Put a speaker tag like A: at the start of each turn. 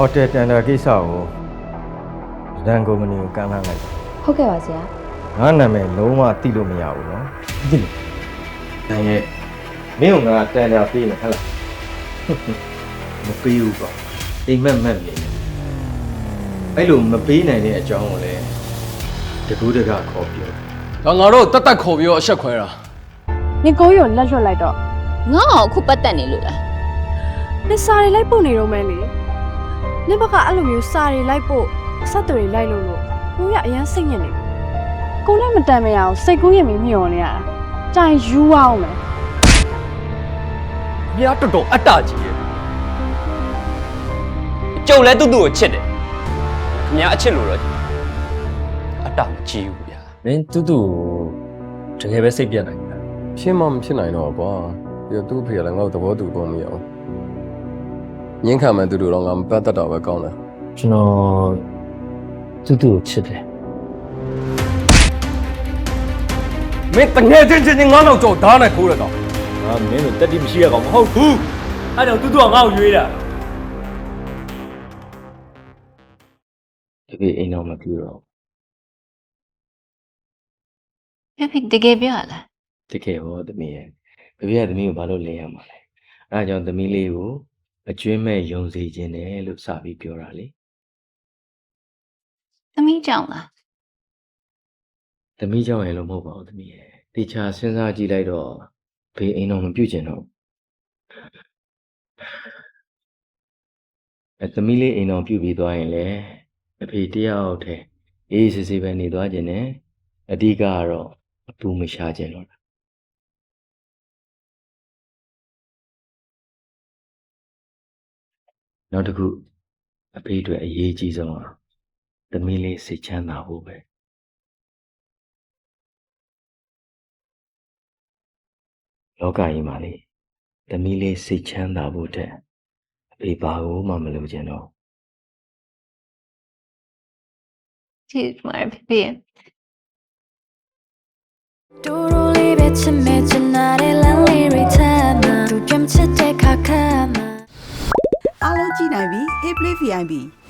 A: hotel tender ကိစ္စကိုဒန်ကုမ္ပဏီကိုကမ်းလှမ်းလိုက်
B: ဟုတ်ကဲ့ပါဆရာ
A: ငါနာမည်လုံးဝသိလို့မရဘူးနော်သိလို့ဒန်ရဲ့မင်းကငါတန်တာပေးမယ်ဟဲ့လားမပေးဘူးပေါ့အိမ်မက်မက်နေတယ်အဲ့လိုမပေးနိုင်တဲ့အကြောင်းကိုလည်းတကူးတကခေါ်ပြော
C: ဒါငါတို့တက်တက်ခေါ်ပြီးတော့အဆက်ခွဲတာ
D: နင်ကိုကြီးကိုလက်လွတ်လိုက်တော့
B: ငါ့အောင်အခုပတ်သက်နေလို့လား
D: နင်စာတွေလိုက်ပို့နေတော့မဲလေနင်ဘက်ကအဲ့လိုမျိုးစာတွေလိုက်ပို့ဆက်သွယ်လိုက်လို့ကိုရအရန်စိတ်ညစ်နေပြီကိုလည်းမတန်မရအောင်စိတ်ကူးရင်မျောနေရတာကြိုင်ယူအောင်မယ်
C: မြားတော်တော်အတ္တကြီးရဲ့
E: ကျုပ်လည်းတူတူကိုချစ်တယ်ခင်ဗျားအချစ်လို့တော့အတ္တမကြီးဘူးဗျာ
F: မင်းတူတူတကယ်ပဲစိတ်ပြတ်နိုင်တာ
C: ဖြစ်မှမဖြစ်နိုင်တော့ကွာပြီးတော့သူ့အဖေကလည်းငါ့ကိုသဘောတူကုန်မရအောင်ငင်းခံမှတူတူတော့ငါမပတ်သက်တော့ပဲကောင်းတယ်
F: ကျွန်တော်တူတူကိုချစ်တယ်
C: မင်းတငယ်ချင်းငါ့နောက်ကြောဓာတ်နဲ့ခိုးရတော့
F: ငါမင်းတို့တက်တိမရှိရကောင်မဟုတ်ဘူးအဲ့ကြောင့်တူတူကငါ့ကိုရွေးတာ
A: တကယ်အိမ်တော့မပြေတော့
B: ဖေတကယ်ပြောရလား
A: တကယ်ဟောသမီးရဲ့ဘယ်ပြသမီးကိုဘာလို့လင်းရမှာလဲအဲဒါကြောင့်သမီးလေးကိုအကျွင်းမဲ့ယုံစေခြင်းတယ်လို့စပြီးပြောတာလေ
B: သမီးကြောင့်လား
A: သမီးကြောင့်ရင်လို့မဟုတ်ပါဘူးသမီးရဲ့တေချာစဉ်းစားကြည့်လိုက်တော့ဘေးအိမ်တော့မပြုတ်ကျင်တော့သမီးလေးအိမ်တော်ပြုတ်ပြီးသွားရင်လေအဖေတယောက်တည်းအေးစစ်စစ်ပဲနေသွားခြင်းနဲ့အဓိကကတော့အပူမရှာခြင်းတော့နောက်တစ်ခုအဖေအတွက်အရေးကြီးဆုံးကသမီးလေးစိတ်ချမ်းသာဖို့ပဲလောကကြီးမှာလေသမီးလေးစိတ်ချမ်းသာဖို့တဲ့အဖေဘာလို့မှမလုပ်ချင်တော့
B: ချစ်မှာဖေဖေ
G: တူတူလေးပဲချစ်မဲ့ချင်တဲ့လမ်းလေးတွေထဲမှာသူကြမ်းချစ်တဲ့ခါခါမှာ
H: အားလုံးကြည့်နိုင်ပြီ Hey Play VIP